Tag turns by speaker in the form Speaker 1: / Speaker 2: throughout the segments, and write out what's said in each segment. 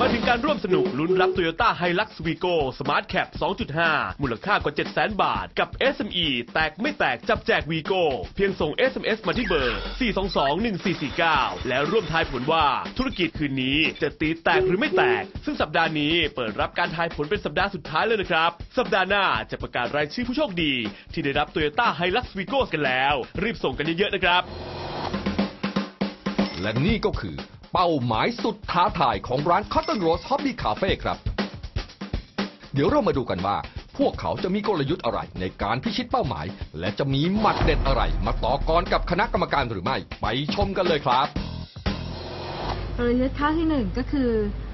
Speaker 1: ถึงการร่วมสนุกลุ้นรับ Toyota Hilux Vigo Smart Cap 2.5 มูลค่ากว่า 700,000 บาทกับ SME แตกไม่แตกจับแจก Vigo เพียงส่ง SMS มาที่เบอร์ 4221449 แล้วร่วมทายผลว่าธุรกิจคืนนี้จะตีแตกหรือไม่แตกซึ่งสัปดาห์นี้เปิดรับการทายผลเป็นสัปดาห์สุดท้ายเลยนะครับสัปดาห์หน้าจะประกาศรายชื่อผู้โชคดีที่ได้รับ Toyota Hilux Vigo กันแล้วรีบส่งกันเยอะๆนะครับ
Speaker 2: และนี่ก็คือเป้าหมายสุดท้าทายของร้าน Cotton Rose Hobby Cafe ครับเดี๋ยวเรามาดูกันว่าพวกเขาจะมีกลยุทธ์อะไรในการพิชิตเป้าหมายและจะมีหมัดเด็ดอะไรมาต่อกรกับคณะกรรมการหรือไม่ไปชมกันเลยครับ
Speaker 3: กลยุทธ์ข้อที่1ก็คือ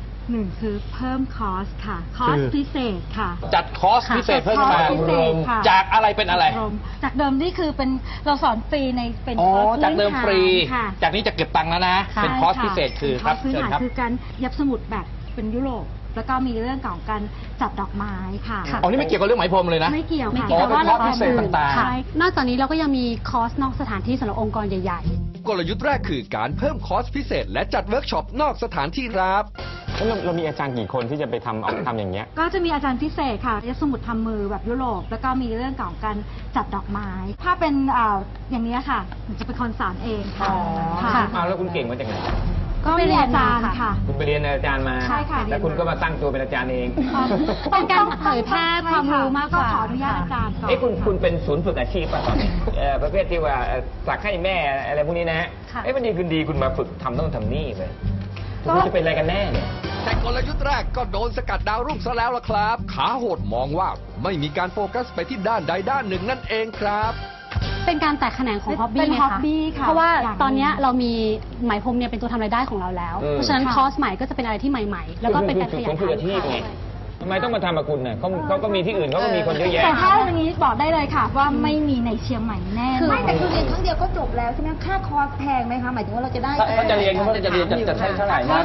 Speaker 3: 1คือเพิ่มคอสค่ะคอสพิเศษค่ะ
Speaker 4: จัดคอสพิเศษเพิ่มมาจากอะไรเป็นอะไร
Speaker 3: จากเดิมนี่คือเป็นเราสอนฟรีในเป็นคอร์ส
Speaker 4: จากเดิมฟรีจากนี้จะเก็บตังค์แล้วนะเป็นคอร์สพิเศษคือครับ
Speaker 3: เชิญครับคือการยับสมุดแบบเป็นยุโรปแล้วก็มีเรื่องของการจัดดอกไม้ค่ะ
Speaker 4: อ๋อนี่ไม่เกี่ยวกับเรื่องไหมพรมเลยนะ
Speaker 3: ไม่เกี่ยวค่ะ
Speaker 4: แต่ว่าเราพิเศษต่าง
Speaker 5: ๆนอกจากนี้เราก็ยังมีคอร์สนอกสถานที่สำหรับองค์กรใหญ่
Speaker 2: ๆกลยุทธ์แรกคือการเพิ่มคอร์สพิเศษและจัดเวิร์กช็อปนอกสถานที่ครับ
Speaker 6: เรามีอาจารย์กี่คนที่จะไปทำอย่างเงี้ย
Speaker 3: ก็จะมีอาจารย์พิเศษค่ะยัดสมุดทำมือแบบยุโรปแล้วก็มีเรื่องของการจัดดอกไม้ถ้าเป็นอย่างนี้ค่ะจะเป็นคนสอนเองค่ะ
Speaker 6: แล้วคุณเก่งมาจากไหน
Speaker 3: ก็ไปเรียนอาจารย์ค่ะ
Speaker 6: คุณไปเรียนอาจารย์มา
Speaker 3: ใช่ค่ะ
Speaker 6: แล้วคุณก็มาตั้งตัวเป็นอาจารย์เอง
Speaker 5: เป็นการเผยแพร่ความรู้มากกว่า
Speaker 3: ขออนุญาตอาจารย์ก่อน
Speaker 6: คุณเป็นศูนย์ฝึกอาชีพป่ะตอนนี้ประเภทที่ว่าสักให้แม่อะไรพวกนี้นะฮะวันดีคืนดีคุณมาฝึกทำต้องทำนี่เลยคุณจะเป็นอะไรกันแน่เนี่ย
Speaker 2: แต่กลยุทธ์แรกก็โดนสกัดดาวรุ่งซะแล้วล่ะครับขาโหดมองว่าไม่มีการโฟกัสไปที่ด้านใดด้านหนึ่งนั่นเองครับ
Speaker 5: เป็นการแตกแขนงของฮ็อบบี้นะคะเพราะว่าตอนนี้เรามีไหมพรมเนี่ยเป็นตัวทำรายได้ของเราแล้วเพราะฉะนั้นคอร์สใหม่ก็จะเป็นอะไรที่ใหม่ๆแล้วก็เป็นการขยาย
Speaker 6: อาชีพไงทำไมต้องมาทำกับคุณเนี่ยเขาก็มีที่อื่นเขาก็มีคนเยอะแยะ
Speaker 3: แต่ถ้าวันนี้บอกได้เลยค่ะว่าไม่มีในเชียงใหม่แน่
Speaker 7: ไม่แต่คือเรียนครั้งเดียวก็จบแล้วใช่ไหมค่าคอร์สแพงไหมคะหมายถึงว่าเราจะได้
Speaker 6: เขาจะเรียนจะใช้เท่าไหร่นะ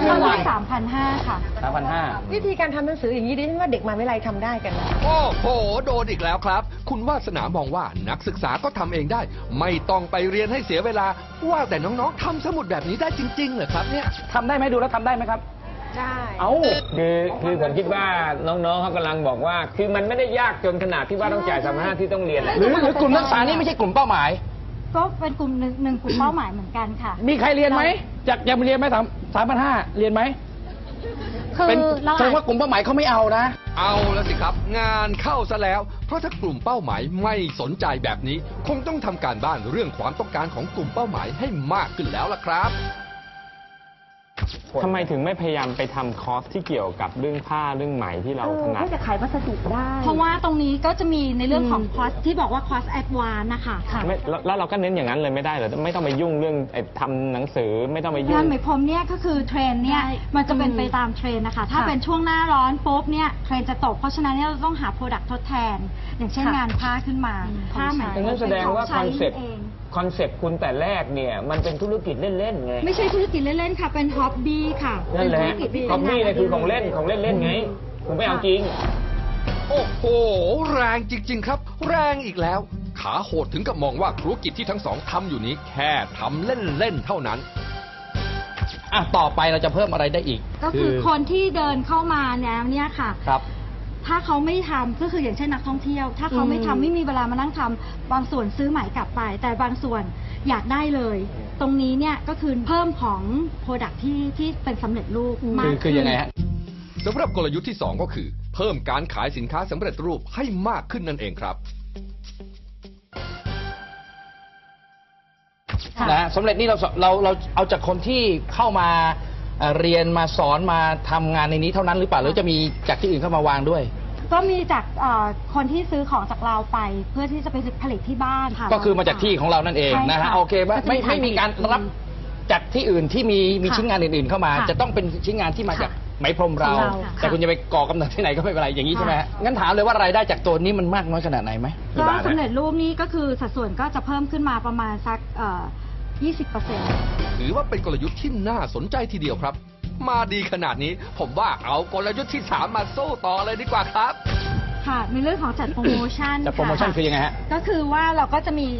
Speaker 3: 3,500 ค่ะ
Speaker 6: 3,500
Speaker 7: วิธีการทำหนังสืออย่างนี้ดิฉันว่าเด็กมหาวิทยาลัยทำได้กันนะ
Speaker 2: โอ้โหโดนอีกแล้วครับคุณวาสนามองว่านักศึกษาก็ทำเองได้ไม่ต้องไปเรียนให้เสียเวลาว่าแต่น้องๆทำสมุดแบบนี้ได้จริงๆเหรอครับเนี่ย
Speaker 6: ทำได้ไหมดูแล้วทำได้ไหมครับ
Speaker 7: ได้
Speaker 6: คือผมคิดว่าน้องๆเขากำลังบอกว่าคือมันไม่ได้ยากจนขนาดที่ว่าต้องจ่าย3,500ที่ต้องเรียนหรือกลุ่มนักศึกษานี่ไม่ใช่กลุ่มเป้าหมาย
Speaker 3: ก็เป็นกลุ่มหนึ่งกลุ่มเป้าหมายเหมือนกันค่ะ
Speaker 6: มีใครเรียนไหมอยากเรียนไหม3,500เรียนไหม
Speaker 5: คือ
Speaker 6: แสดงว่ากลุ่มเป้าหมายเขาไม่เอานะ
Speaker 2: เอาแล้วสิครับงานเข้าซะแล้วเพราะถ้ากลุ่มเป้าหมายไม่สนใจแบบนี้คงต้องทำการบ้านเรื่องความต้องการของกลุ่มเป้าหมายให้มากขึ้นแล้วล่ะครับ
Speaker 6: ทำไมถึงไม่พยายามไปทำคอร์สที่เกี่ยวกับเรื่องผ้าเรื่องไหมที่เราถนัด
Speaker 7: ก็จะขายวัสดุได้
Speaker 3: เพราะว่าตรงนี้ก็จะมีในเรื่องของคอร์สที่บอกว่าคอร์สแอดวานซ์นะคะ
Speaker 6: แล้วเราก็เน้นอย่างนั้นเลยไม่ได้เหรอไม่ต้องไปยุ่งเรื่องทำหนังสือไม่ต้องไปยุ่ง
Speaker 3: งานไหมพรมเนี่ยก็คือเทรนเนี่ยมันจะเป็นไปตามเทรนนะคะถ้าเป็นช่วงหน้าร้อนปุ๊บเนี่ยเทรนจะตกเพราะฉะนั้นเนี่ยเราต้องหาโปรดักต์ทดแทนอย่างเช่นงานผ้าขึ้นมาผ้าไหมพรม
Speaker 6: แสดงว่าคอนเซ็ปต์คุณแต่แรกเนี่ยมันเป็นธุรกิจเล่นๆไง
Speaker 3: ไม่ใช่ธุรกิจเล่นๆค่ะเป็นฮ็อบบี้ค่ะ
Speaker 6: นั่นแหละฮ็อบบี้เนี่ยคือของเล่นไงคุณไม่เอาจริง
Speaker 2: โอ้โหแรงจริงๆครับแรงอีกแล้วขาโหดถึงกับมองว่าธุรกิจที่ทั้งสองทำอยู่นี้แค่ทำเล่นๆเท่านั้น
Speaker 4: ต่อไปเราจะเพิ่มอะไรได้อีก
Speaker 3: ก็คือคนที่เดินเข้ามาเนี่ยค่ะ
Speaker 4: ครับ
Speaker 3: ถ้าเขาไม่ทำก็คืออย่างเช่นนักท่องเที่ยวถ้าเขาไม่ทำไม่มีเวลามานั่งทำบางส่วนซื้อไหมกลับไปแต่บางส่วนอยากได้เลยตรงนี้เนี่ยก็คือเพิ่มของโปรดักที่เป็นสำเร็จรูปมาก
Speaker 4: คือยังไงฮะ
Speaker 2: สำหรับกลยุทธ์ที่2ก็คือเพิ่มการขายสินค้าสำเร็จรูปให้มากขึ้นนั่นเองครับ
Speaker 4: นะสำเร็จนี่เราเอาจากคนที่เข้ามาเรียนมาสอนมาทำงานในนี้เท่านั้นหรือเปล่าหรือจะมีจากที่อื่นเข้ามาวางด้วย
Speaker 3: ก็มีจากคนที่ซื้อของจากเราไปเพื่อที่จะไปผลิตที่บ้านค่ะ
Speaker 4: ก็คือมาจากที่ของเรานั่นเองนะฮะโอเคไม่มีการรับจากที่อื่นที่มีชิ้นงานอื่นๆเข้ามาจะต้องเป็นชิ้นงานที่มาจากไหมพรมเราแต่คุณจะไปก่อกำเนิดที่ไหนก็ไม่เป็นไรอย่างนี้ใช่ไหมงั้นถามเลยว่ารายได้จากตัวนี้มันมากน้อยขนาดไหนไหม
Speaker 3: ก็สำเร็จรูปนี้ก็คือสัดส่วนก็จะเพิ่มขึ้นมาประมาณสัก20%
Speaker 2: ถือว่าเป็นกลยุทธ์ที่น่าสนใจทีเดียวครับมาดีขนาดนี้ผมว่าเอากลยุทธ์ที่3มาสู้ต่อเลยดีกว่าครับ
Speaker 3: ค่ะในเรื่องของจัดโปรโมชั่น
Speaker 4: จัดโปรโมชั่นคือยังไงฮะ
Speaker 3: ก็คือว่าเราก็จะมี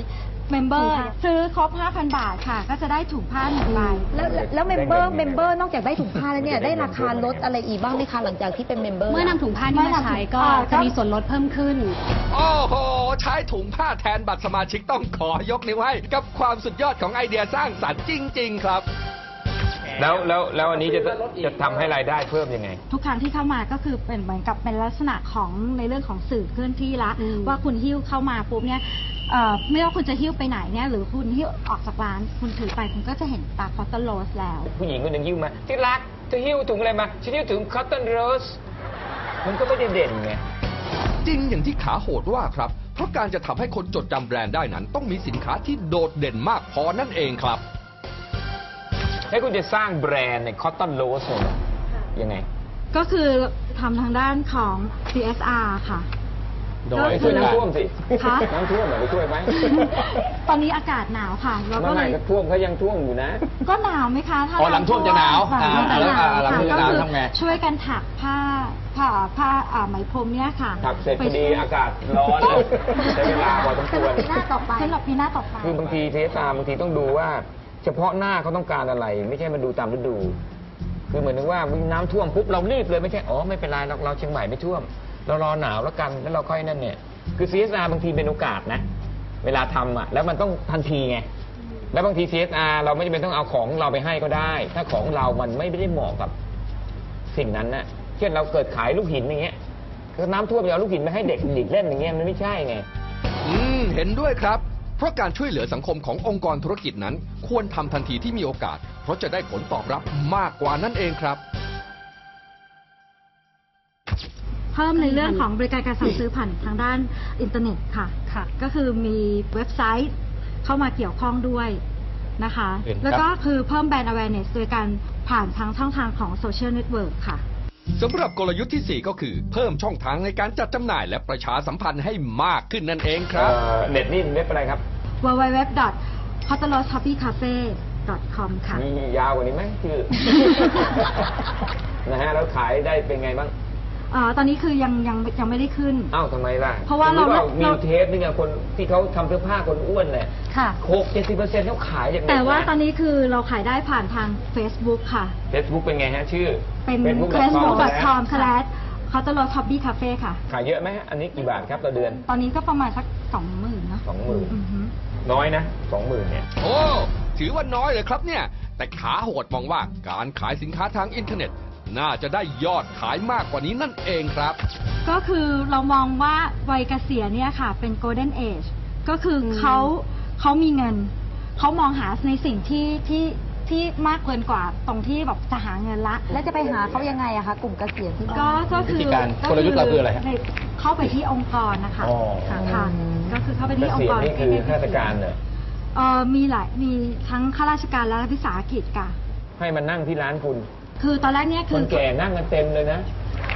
Speaker 3: เมมเบอร์ซื้อครบ 5,000 บาทค่ะก็จะได้ถุงผ้า1 ใบ
Speaker 7: แล้วเมมเบอร์นอกจากได้ถุงผ้าแล้วเนี่ยได้ราคาลดอะไรอีกบ้างไหมคะหลังจากที่เป็นเมมเบอร์
Speaker 5: เมื่อนำถุงผ้านี้มาใช้ก็จะมีส่วนลดเพิ่มขึ้น
Speaker 2: โอ้โห ใช้ถุงผ้าแทนบัตรสมาชิกต้องขอยกนิ้วให้กับความสุดยอดของไอเดียสร้างสรรค์จริง ๆ ครับ
Speaker 6: แล้วอันนี้จะทำให้รายได้เพิ่มยังไง
Speaker 3: ทุกครั้งที่เข้ามาก็คือเป็นเหมือนกับเป็นลักษณะของในเรื่องของสื่อเคลื่อนที่ละว่าคุณหิ้วเข้ามาปุ๊บเนี่ยไม่ว่าคุณจะหิ้วไปไหนเนี่ยหรือคุณหิ้วออกจากร้านคุณถือไปคุณก็จะเห็นตาคอตเตอร์โรสแล้ว
Speaker 6: ผู้หญิงคนหนึ่งหิ้วมาที่รักเธอหิ้วถุงอะไรมาฉันหิ้วถุงคอตตอนโรสมันก็ไม่ได้เด่นไง
Speaker 2: จริงอย่างที่ขาโหดว่าครับ เพราะการจะทำให้คนจดจำแบรนด์ได้นั้น ต้องมีสินค้าที่โดดเด่นมากพอนั่นเองครับ
Speaker 6: ให้คุณจะสร้างแบรนด์ในคอตตอนโรสเนี่ยยังไง
Speaker 3: ก็คือทำทางด้านของ CSR ค่ะ
Speaker 6: โดยช่วยน้ำท่วมสิ
Speaker 3: คะ
Speaker 6: น้ำท่วมเหรอไปช่วยไหม
Speaker 3: ตอนนี้อากาศหนาวค่ะเราก็เลย
Speaker 6: ก็ท่วมเขายังท่วมอยู่นะ
Speaker 3: ก็หนาวไหมคะถ้า
Speaker 4: หลังท่วมจะหนาว
Speaker 3: หลังท่วมจะหนาว
Speaker 4: หลังท่วมจะหนาวทำไง
Speaker 3: ช่วยกันถักผ้าไหมพรมเนี่ยค่ะ
Speaker 6: ถักเสร็จพอดีอากาศร้อนเลยใช้เวลาพอสมควร
Speaker 7: ปีหน้าต่อไป
Speaker 3: สำหรับปีหน้าต่อไป
Speaker 6: คือบางทีเทสบางทีต้องดูว่า เฉพาะหน้าเขาต้องการอะไร ไม่ใช่มาดูตามฤดู คือเหมือนถึงว่าน้ำท่วมปุ๊บเรารีบเลยไม่ใช่อ๋อไม่เป็นไรเราเชียงใหม่ไม่ท่วม เรารอหนาวแล้วกันแล้วเราค่อยนั่นเนี่ยคือ CSR บางทีเป็นโอกาสนะเวลาทำอ่ะแล้วมันต้องทันทีไงแล้วบางที CSR เราไม่จำเป็นต้องเอาของเราไปให้ก็ได้ ถ้าของเรามันไม่ได้เหมาะกับสิ่งนั้นนะเช่นเราเกิดขายลูกหินอย่างเงี้ยคือน้ำท่วมเอาลูกหินไปให้เด็กเล่นอย่างเงี้ยมันไม่ใช่ไง
Speaker 2: เห็นด้วยครับ เพราะการช่วยเหลือสังคมขององค์กรธุรกิจนั้น ควรทำทันทีที่มีโอกาส เพราะจะได้ผลตอบรับมากกว่านั่นเองครับ
Speaker 3: เพิ่มในเรื่องของบริการการสั่งซื้อผ่านทางด้านอินเทอร์เน็ตค่ะ ก็คือมีเว็บไซต์เข้ามาเกี่ยวข้องด้วยนะคะ แล้วก็คือเพิ่มแบรนด์ awareness โดยการผ่านทางช่องทางของโซเชียลเน็ตเวิร์กค่ะ
Speaker 2: สำหรับกลยุทธ์ที่ 4 ก็คือเพิ่มช่องทางในการจัดจำหน่ายและประชาสัมพันธ์ให้มากขึ้นนั่นเองครับ
Speaker 6: เน็ตนี่เว็บอะไรครับ
Speaker 3: www.hoteloshoppycafe.com ค่ะ
Speaker 6: มียาวกว่านี้ไหมชื่อ นะฮะแล้วขายได้เป็นไงบ้าง
Speaker 3: ตอนนี้คือยังไม่ได้ขึ้น
Speaker 6: อ้าวทำไมล่ะ
Speaker 3: เพราะว่าเรา
Speaker 6: มีเทปนึงอะคนที่เขาทำเสื้อผ้าคนอ้วนเนี่ย60-70%เขาขายอย่างไร
Speaker 3: แต่ว่าตอนนี้คือเราขายได้ผ่านทาง Facebook ค่ะ
Speaker 6: Facebook เป็นไงฮะชื่อ
Speaker 3: เป็น facebook.com/hoteloshoppycafe ค่ะ
Speaker 6: ขายเยอะไหมอันนี้กี่บาทครับต่อเดือน
Speaker 3: ตอนนี้ก็ประมาณสัก 20,000 นะ
Speaker 6: 20,000 น้อยนะ 20,000 เนี่ย
Speaker 2: โอ้ถือว่าน้อยเลยครับเนี่ยแต่ขาโหดมองว่าการขายสินค้าทางอินเทอร์เน็ตน่าจะได้ยอดขายมากกว่านี้นั่นเองครับ
Speaker 3: ก็คือเรามองว่าวัยเกษียณเนี่ยค่ะเป็น golden age ก็คือเขามีเงินเขามองหาในสิ่งที่มากเกินกว่าตรงที่แบบจะหาเงินละ
Speaker 7: แล้วจะไปหาเขายังไงอะคะกลุ่มเกษียณที่
Speaker 3: ก็คือ
Speaker 4: กลยุทธ์เราคืออะไร
Speaker 3: เข้าไปที่องค์กรนะคะค่ะก็คือเข้าไปที่องค์กร
Speaker 6: นี่คือข้าราชการเหรอ
Speaker 3: มีทั้งข้าราชการและรัฐวิสาหกิจค่ะ
Speaker 6: ให้มานั่งที่ร้านคุณ
Speaker 3: คือตอนแรกเนี่ยคือ
Speaker 6: คนแก่นั่งกันเต็มเลยนะ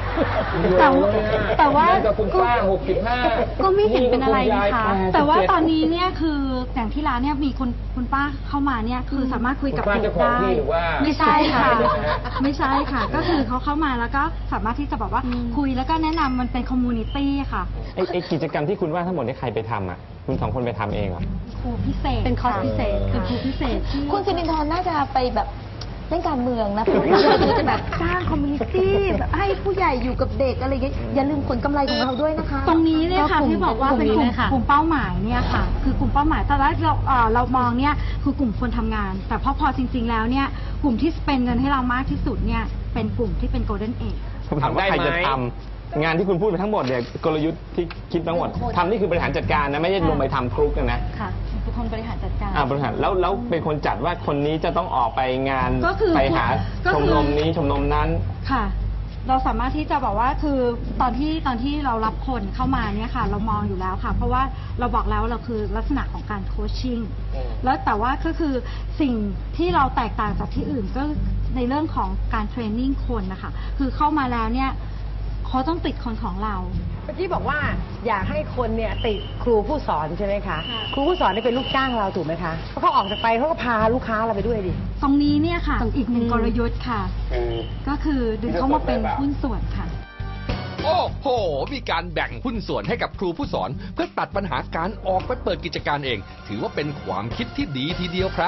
Speaker 3: แต่ว่า
Speaker 6: คุณป้า65
Speaker 3: ก็ไม่เห็นเป็นอะไรนะคะแต่ว่าตอนนี้เนี่ยคืออย่างที่ร้านเนี่ยมีคุณป้าเข้ามาเนี่ยคือสามารถคุยกับเด็กได้ไม่ใช่ค่ะไม่ใช่ค่ะก็คือเขาเข้ามาแล้วก็สามารถที่จะบอกว่าคุยแล้วก็แนะนำมันเป็นคอมมูนิตี้ค่ะ
Speaker 6: ไอกิจกรรมที่คุณว่าทั้งหมดนี่ใครไปทำอ่ะคุณ2 คนไปทำเองเหรอ
Speaker 3: ครูพิเศษ
Speaker 5: เป็นคอร์สพิเศษ
Speaker 3: เป็นครูพิเศษ
Speaker 7: คุณสิรินทร์น่าจะไปแบบเล่นการเมืองนะเราจะแบบสร้างคอมมูนิตี้แบบให้ผู้ใหญ่อยู่กับเด็กอะไรอย่างเงี้ยอย่าลืมผลกำไรของเราด้วยนะคะ
Speaker 3: ตรงนี้เนี่ยค่ะที่บอกว่าเป็นกลุ่มเป้าหมายเนี่ยค่ะคือกลุ่มเป้าหมายแต่แรกเรามองเนี่ยคือกลุ่มคนทำงานแต่พอจริงๆแล้วเนี่ยกลุ่มที่เป็นเงินให้เรามากที่สุดเนี่ยเป็นกลุ่มที่เป็น golden age
Speaker 6: ทำได้ไหมงานที่คุณพูดไปทั้งหมดเนี่ยกลยุทธ์ที่คิดทั้งหมดทำนี่คือบริหารจัดการนะไม่ใช่ลงไปทำครุกนะ
Speaker 3: ค่ะเป็นคนบริหารจัดการ
Speaker 6: บริหารแล้วเป็นคนจัดว่าคนนี้จะต้องออกไปงานไปหาชมรมนี้ชมรมนั้น
Speaker 3: ค่ะเราสามารถที่จะบอกว่าคือตอนที่เรารับคนเข้ามาเนี่ยค่ะเรามองอยู่แล้วค่ะเพราะว่าเราบอกแล้วเราคือลักษณะของการโคชชิ่งแล้วแต่ว่าก็คือสิ่งที่เราแตกต่างจากที่อื่นก็ในเรื่องของการเทรนนิ่งคนนะคะคือเข้ามาแล้วเนี่ยเขาต้องติดคนของเรา
Speaker 8: เมื่อกี้บอกว่าอยากให้คนเนี่ยติดครูผู้สอนใช่ไหมคะครูผู้สอนนี่เป็นลูกจ้างเราถูกไหมคะเพราะเขาออกจากไปเขาก็พาลูกค้าเราไปด้วยดิ
Speaker 3: ตรงนี้เนี่ยค่ะอีกหนึ่งกลยุทธ์ค่ะก็คือดึงเขามาเป็นหุ้นส่วนค่ะ
Speaker 2: โอ้โห มีการแบ่งหุ้นส่วนให้กับครูผู้สอนเพื่อตัดปัญหาการออกไปเปิดกิจการเอง ถือว่าเป็นความคิดที่ดีทีเดียวครับ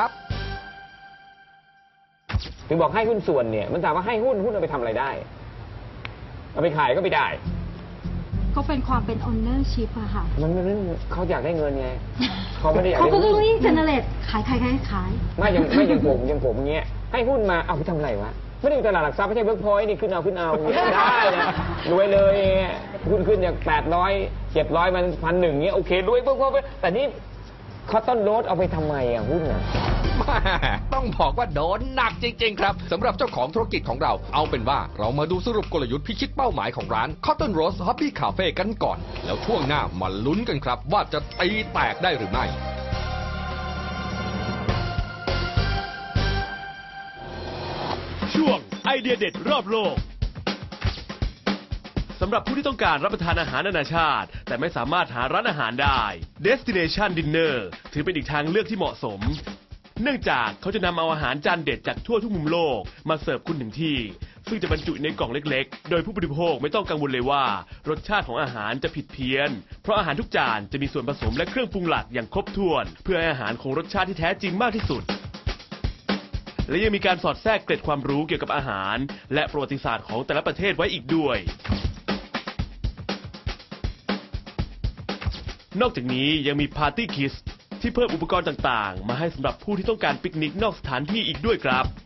Speaker 6: ถึงบอกให้หุ้นส่วนเนี่ยมันถามว่าให้หุ้นเอาไปทำอะไรได้เอาไปขายก็ไม่ได้
Speaker 3: ก็เป็นความเป็น ownership อะค่ะ
Speaker 6: มันเขาอยากได้เงินไงเขาไม่ได้อยาก
Speaker 3: เขา
Speaker 6: ได้
Speaker 3: ก็
Speaker 6: หุ้
Speaker 3: ต้อง
Speaker 6: น
Speaker 3: รีบ generate ขาย
Speaker 6: ไม่อย่างผมอย่างเงี้ยให้หุ้นมาเอาไปทำอะไรวะไม่ได้อยู่ตลาดหลักทรัพย์ไม่ใช่เวิร์กพอยต์นี่ขึ้นเอาได้นะรวยเลยหุ้นขึ้นจาก800 700มัน1,100เงี้ยโอเครวยเวิร์กพอยต์แต่นี่เขาต้นโรสเอาไปทำไมอ่ะหุ้นอ่ะ
Speaker 2: ต้องบอกว่าโดนหนักจริงๆครับสำหรับเจ้าของธุรกิจของเราเอาเป็นว่าเรามาดูสรุปกลยุทธ์พิชิตเป้าหมายของร้าน Cotton Rose Hobby Cafe กันก่อน แล้วช่วงหน้ามาลุ้นกันครับว่าจะตีแตกได้หรือไม่
Speaker 1: ช่วงไอเดียเด็ดรอบโลกสำหรับผู้ที่ต้องการรับประทานอาหารนานาชาติแต่ไม่สามารถหาร้านอาหารได้ Destination Dinner ถือเป็นอีกทางเลือกที่เหมาะสมเนื่องจากเขาจะนำเอาอาหารจานเด็ดจากทั่วทุกมุมโลกมาเสิร์ฟคุณถึงที่ซึ่งจะบรรจุในกล่องเล็กๆโดยผู้บริโภคไม่ต้องกังวลเลยว่ารสชาติของอาหารจะผิดเพี้ยนเพราะอาหารทุกจานจะมีส่วนผสมและเครื่องปรุงหลักอย่างครบถ้วนเพื่อให้อาหารคงรสชาติที่แท้จริงมากที่สุดและยังมีการสอดแทรกเกร็ดความรู้เกี่ยวกับอาหารและประวัติศาสตร์ของแต่ละประเทศไว้อีกด้วยนอกจากนี้ยังมีปาร์ตี้คิสที่เพิ่มอุปกรณ์ต่างๆมาให้สำหรับผู้ที่ต้องการปิกนิกนอกสถานที่อีกด้วยครับ